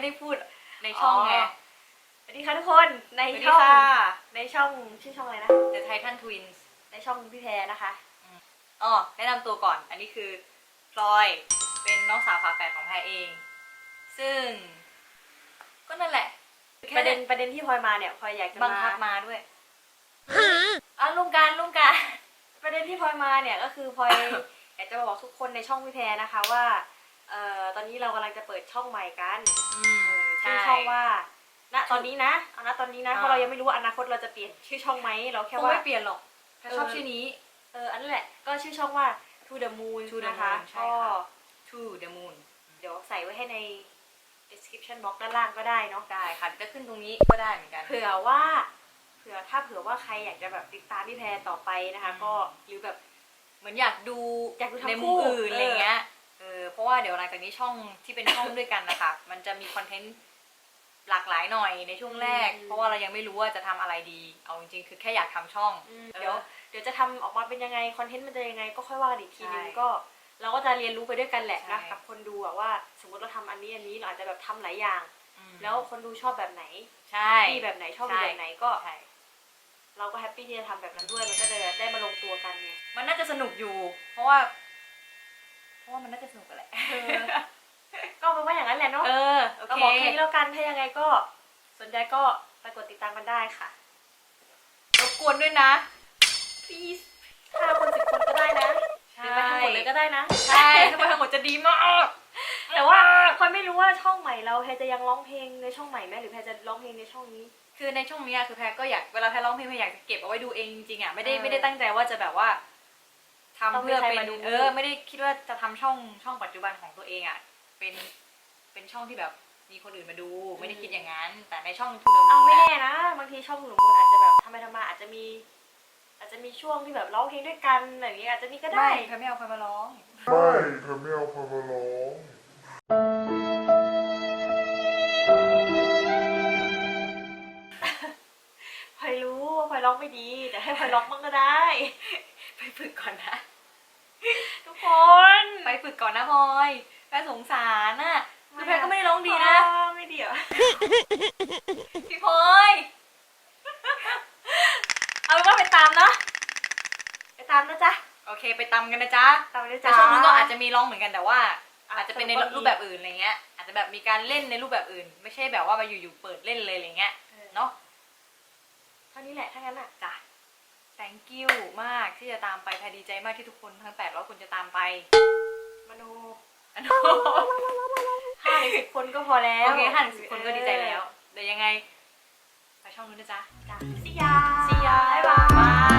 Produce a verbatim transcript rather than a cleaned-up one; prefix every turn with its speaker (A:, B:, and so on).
A: ได้พูดในช่องไง
B: สวัสดีค่ะทุกคนในช่องในช่องชื่อช่องอะไรนะ
A: The Titan Twins
B: ในช่องพี่แพรนะคะ
A: อ๋อแนะนำตัวก่อนอันนี้คือพลอยเป็นน้องสาวฝาแฝดของแพรเอง ซึ่งก็นั่นแหละ
B: ประเด็นประเด็นที่พลอยมาเนี่ยพลอยอยากจะ
A: บัง
B: มา
A: คับมาด้วยอ่ะลุงการลุงการ
B: ประเด็นที่พลอยมาเนี่ยก็คือพลอย อยากจะมาบอกทุกคนในช่องพี่แพรนะคะว่าเอ่อตอนนี้เรากำลังจะเปิดช่องใหม่กัน
A: อืม
B: ชื่อช่องว่าณตอนนี้นะเอาณตอนนี้นะเพราะเรายังไม่รู้ว่าอนาคตเราจะเปลี่ยนชื่อช่องไหมเราแค่
A: คง
B: ว่า
A: ไม่เปลี่ยนหรอกแพรชอบชื่อนี้
B: เอออันนั้นแหละก็ชื่อช่องว่า To the Moon
A: To the
B: นะคะ
A: Moon ใช่
B: ก็
A: ค่ะ To the Moon
B: เดี๋ยวใส่ไว้ให้ใน description box ด้านล่างก็ได้เนาะ
A: ได้ค่ะจะขึ้นตรงนี้ก็ได้เหมือนกัน
B: เผื่อว่าเผื่อถ้าเผื่อว่าใครอยากจะแบบติดตามพี่แพรต่อไปนะคะ
A: อืม
B: ก็หรือแบบ
A: เหมือนอยากดู
B: อยากดูทั้ง
A: ใน
B: คู่
A: มุมอื่น
B: เอออ
A: อะไรเงี้ยเออเพราะว่าเดี๋ยวหลังจากนี้ช่องที่เป็นช่องด้วยกันนะคะ มันจะมีคอนเทนต์หลากหลายหน่อยในช่วงแรก เพราะว่าเรายังไม่รู้ว่าจะทำอะไรดี เอาจริงๆคือแค่อยากทำช่อง
B: อืม
A: เออ
B: เดี๋ยวเดี๋ยวจะทำออกมาเป็นยังไงคอนเทนต์มันจะยังไงก็ค่อยว่ากันอีกทีนึง
A: ใช่
B: ก็เราก็จะเรียนรู้ไปด้วยกันแหละนะ
A: ใช่
B: กับคนดูอะว่าสมมติเราทำอันนี้อันนี้เราอาจจะแบบทำหลายอย่าง
A: อืม
B: แล้วคนดูชอบแบบไหน
A: ใช่
B: ที่แบบไหนชอบ
A: ใช่
B: แบบไหนก็
A: ใช่
B: เราก็แฮปปี้ที่จะทำแบบนั้นด้วยมันก็จะได้มาลงตัวกันไง
A: มันน่าจะสนุกอยู่ เพราะว่า เพราะว่ามันน่าจะสนุกกันแหละ
B: เออ ก็เป็นว่าอย่างนั้นแหละเนาะ
A: เออโอ
B: เรา
A: เค
B: บอกแค่นี้แล้วกันถ้ายังไงก็สนใจก็ไปกดติดตามกันได้ค่ะ
A: รบกวนด้วยนะ
B: please ห้าคนสิบคนก็ได้นะหรือไปทั้งหมดเลยก็ได้นะ
A: ใช่ถ้าไปทั้งหมดจะดีมาก
B: แต่ว่าพลอยไม่รู้ว่าช่องใหม่เราแพรจะยังร้องเพลงในช่องใหม่ไหมหรือแพรจะร้องเพลงในช่องนี้
A: คือในช่วงนี้อะคือแพรก็อยากเวลาแพรร้องเพลงแพรอยากจะเก็บเอาไว้ดูเองจริงๆอ่ะไม่ได้
B: เออ
A: ไม่ได้ตั้งใจว่าจะแบบว่าทำ
B: ต้องมี
A: เพื่อ
B: ใคร
A: เป็น
B: มาดู
A: เออไม่ได้คิดว่าจะทำช่องช่องปัจจุบันของตัวเองอ่ะเป็นเป็นช่องที่แบบมีคนอื่นมาดูไม่ได้คิดอย่างนั้น แต่ในช่องทูเดอร์
B: เอา
A: มู
B: ไม่
A: น
B: แน่นะบางทีช่องหนูมูลอาจจะแบบทำไปทำมาอาจจะมี อาจจะมีช่วงที่แบบร้องเพลงด้วยกันอะไรอย่างเงี้ยอาจจะมีก็ได้
A: ไม่แพรไม่เอาใครมาร้อง
C: ไม่เธอไม่เอาพอมาร้อง
B: พลอยรู้ว่าพลอยร้องไม่ดีแต่ให้พลอยร้องบ้างก็ได้
A: ไปฝึกก่อนนะ
B: ทุกคน
A: ไปฝึกก่อนนะพลอยแพรสงสารน่ะคือแพรก็ไม่ได้ร้องดีนะ
B: อ๋อไม่ดีเหรอ
A: พี่พลอย
B: เอาเป็นว่าไปตามเนาะไปตามนะจ๊ะ
A: โอเคไปตำกันนะจ๊ะ
B: ตามเลย
A: แต่
B: จ้า
A: ช่วงนึงก็อาจจะมีร้องเหมือนกันแต่ว่า
B: อ่ะ
A: อาจจะเป็นใน
B: สนุกก็มี
A: รูปแบบอื่นอะไรเงี้ยอาจจะแบบมีการเล่นในรูปแบบอื่น ไม่ใช่แบบว่ามาอยู่ๆเปิดเล่นเลยอะไรเงี้ยเนาะ
B: เท่านี้แหละถ้างั้นอ่ะ
A: จ้ะ thank you มากที่จะตามไปแพรดีใจมากที่ทุกคนทั้งแปดร้อยคนจะตามไป
B: มโน
A: อัน
B: ห้าหรือสิบคนก็พอแล้ว
A: โอเคห้าถึงสิบคนก็ดีใจแล้วเดี๋ยวยังไงไปช่องนู้นนะจ๊ะ
B: จ้ะ See ya
A: See ya
B: บ๊ายบาย
A: บาย